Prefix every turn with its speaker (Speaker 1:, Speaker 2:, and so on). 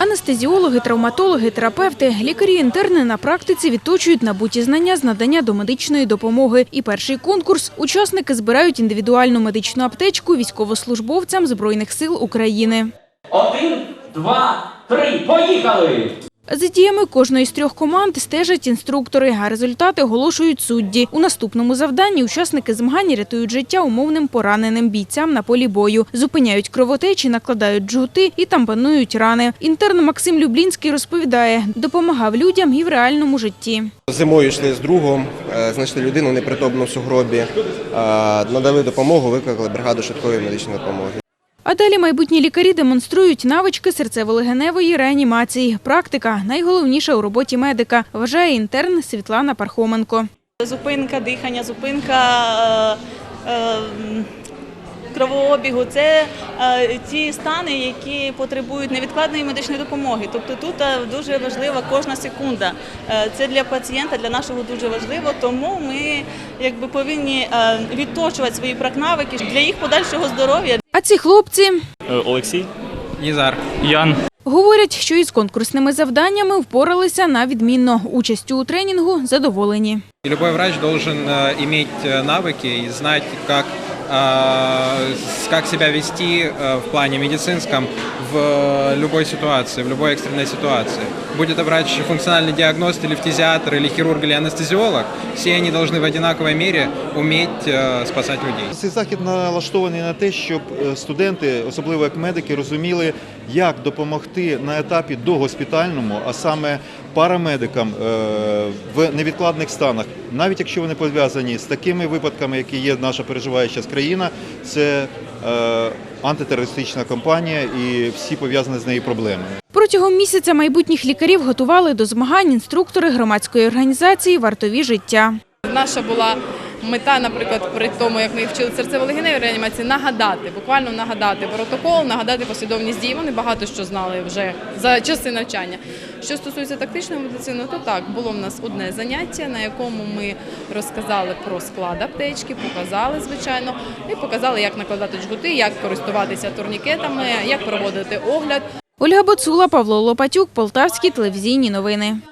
Speaker 1: Анестезіологи, травматологи, терапевти, лікарі-інтерни на практиці відточують набуті знання з надання домедичної допомоги. І перший конкурс – учасники збирають індивідуальну медичну аптечку військовослужбовцям Збройних сил України.
Speaker 2: 1, 2, 3, поїхали!
Speaker 1: За діями кожної з трьох команд стежать інструктори, а результати оголошують судді. У наступному завданні учасники змагань рятують життя умовним пораненим бійцям на полі бою. Зупиняють кровотечі, накладають джгути і тампонують рани. Інтерн Максим Люблінський розповідає, допомагав людям і в реальному житті.
Speaker 3: Зимою йшли з другом, знайшли людину непритомну в сугробі, надали допомогу, викликали бригаду швидкої медичної допомоги.
Speaker 1: А далі майбутні лікарі демонструють навички серцево-легеневої реанімації. Практика – найголовніша у роботі медика, вважає інтерн Світлана Пархоменко.
Speaker 4: Зупинка дихання, зупинка кровообігу – це ті стани, які потребують невідкладної медичної допомоги. Тобто тут дуже важлива кожна секунда. Це для пацієнта, для нашого дуже важливо, тому ми повинні відточувати свої навики для їх подальшого здоров'я.
Speaker 1: А ці хлопці
Speaker 5: – Олексій,
Speaker 6: Нізар,
Speaker 5: Ян.
Speaker 1: Говорять, що із конкурсними завданнями впоралися на відмінно. Участю у тренінгу задоволені.
Speaker 6: Любой врач должен иметь навыки и знать, как себя вести в плане медицинском в любой ситуации, в любой экстренной ситуации. Будь это врач, функциональный диагност, или фтизиатр, или хирург, или анестезиолог, все они должны в одинаковой мере уметь спасать людей.
Speaker 7: Цей захід налаштований на те, щоб студенти, особливо як медики, розуміли, як допомогти на етапі догоспітальному, а саме парамедикам в невідкладних станах, навіть якщо вони пов'язані з такими випадками, які є наша переживаюча країна, це антитерористична кампанія і всі пов'язані з нею проблеми.
Speaker 1: Протягом місяця майбутніх лікарів готували до змагань інструктори громадської організації «Вартові життя».
Speaker 8: Наша була мета, наприклад, при тому, як ми вчили серцево-легеневій реанімації, буквально нагадати протокол, нагадати послідовність дій. Вони багато що знали вже за часи навчання. Що стосується тактичної медицини, то так, було в нас одне заняття, на якому ми розказали про склад аптечки, показали, звичайно, і показали, як накладати джгути, як користуватися турнікетами, як проводити огляд.
Speaker 1: Ольга Боцула, Павло Лопатюк, Полтавські телевізійні новини.